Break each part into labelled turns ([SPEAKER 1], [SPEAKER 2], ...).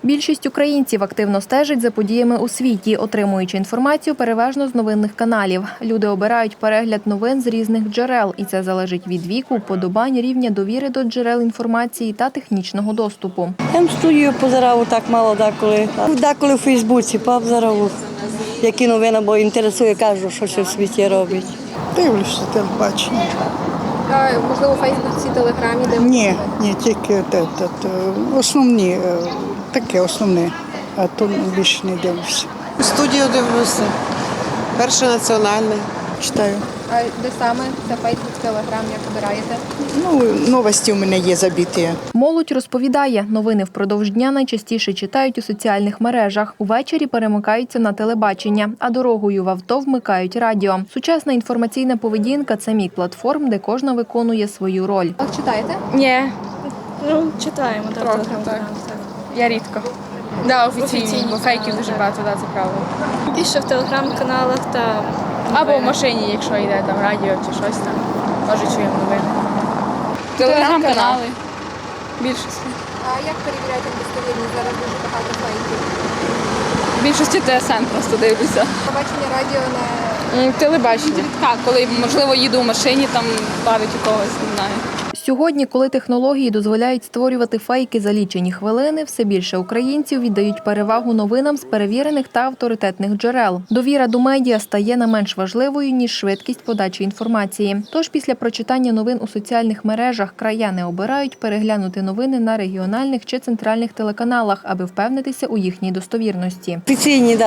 [SPEAKER 1] Більшість українців активно стежить за подіями у світі, отримуючи інформацію переважно з новинних каналів. Люди обирають перегляд новин з різних джерел, і це залежить від віку, вподобань, рівня довіри до джерел інформації та технічного доступу.
[SPEAKER 2] Я в студію позирав так мало деколи. Деколи в Фейсбуці позирав, які новини, бо інтересує, кажу, що ще в світі робить.
[SPEAKER 3] Дивлюся телебачення.
[SPEAKER 1] Можливо, у Фейсбуці, Телеграмі, де
[SPEAKER 3] Ні, тільки основні, таке основне, а то більше не дивлюся.
[SPEAKER 4] Студію дивлюся. Перший національний.
[SPEAKER 3] Читаю.
[SPEAKER 1] А де саме? Це Фейсбук, Телеграм, як обираєте?
[SPEAKER 3] Новості у мене є забиті.
[SPEAKER 1] Молодь розповідає, новини впродовж дня найчастіше читають у соціальних мережах. Увечері перемикаються на телебачення, а дорогою в авто вмикають радіо. Сучасна інформаційна поведінка – це мік платформ, де кожна виконує свою роль. А читаєте?
[SPEAKER 5] Ні. Читаємо.
[SPEAKER 6] Трохи, так. Я рідко. Да, офіційні, бо фейків дуже багато, це правда.
[SPEAKER 5] Більше в телеграм-каналах та
[SPEAKER 6] Або в машині, якщо йде там радіо чи щось там, теж чуємо новини. Телеграм-канали. Більшість.
[SPEAKER 1] А як перевіряєте достовірність? Зараз дуже багато фейків.
[SPEAKER 6] В більшості ТСН просто дивлюся.
[SPEAKER 1] Побачення радіо на...
[SPEAKER 6] Телебачення. Так, коли, можливо, їду в машині, там бавить у когось, не знаю.
[SPEAKER 1] Сьогодні, коли технології дозволяють створювати фейки за лічені хвилини, все більше українців віддають перевагу новинам з перевірених та авторитетних джерел. Довіра до медіа стає не менш важливою, ніж швидкість подачі інформації. Тож після прочитання новин у соціальних мережах краяни обирають переглянути новини на регіональних чи центральних телеканалах, аби впевнитися у їхній достовірності.
[SPEAKER 2] Офіційні,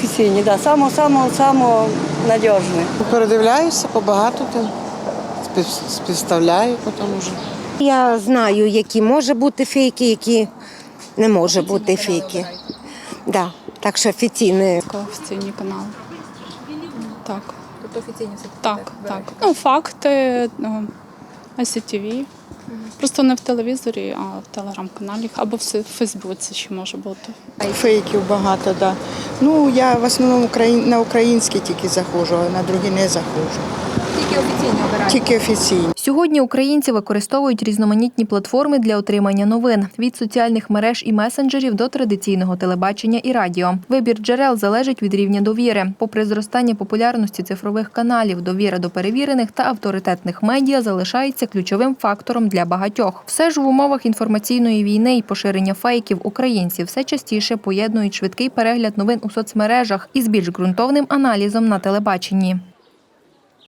[SPEAKER 2] Само надіжне.
[SPEAKER 4] Передивляюся побагато там. Співставляю потім вже.
[SPEAKER 7] Я знаю, які може бути фейки, які не може бути фейки. Да. Так що офіційні.
[SPEAKER 8] Офіційні канали. Так.
[SPEAKER 1] Тобто офіційні все
[SPEAKER 8] Так. Факти, ICTV. Просто не в телевізорі, а в телеграм-каналі. Або в Фейсбуці ще може бути.
[SPEAKER 3] Фейків багато, так. Да. Я в основному на українські тільки заходжу, а на другі не заходжу.
[SPEAKER 1] Тільки офіційні обирають?
[SPEAKER 3] Тільки офіційні.
[SPEAKER 1] Сьогодні українці використовують різноманітні платформи для отримання новин – від соціальних мереж і месенджерів до традиційного телебачення і радіо. Вибір джерел залежить від рівня довіри. Попри зростання популярності цифрових каналів, довіра до перевірених та авторитетних медіа залишається ключовим фактором для багатьох. Все ж в умовах інформаційної війни і поширення фейків українці все частіше поєднують швидкий перегляд новин у соцмережах із більш ґрунтовним аналізом на телебаченні.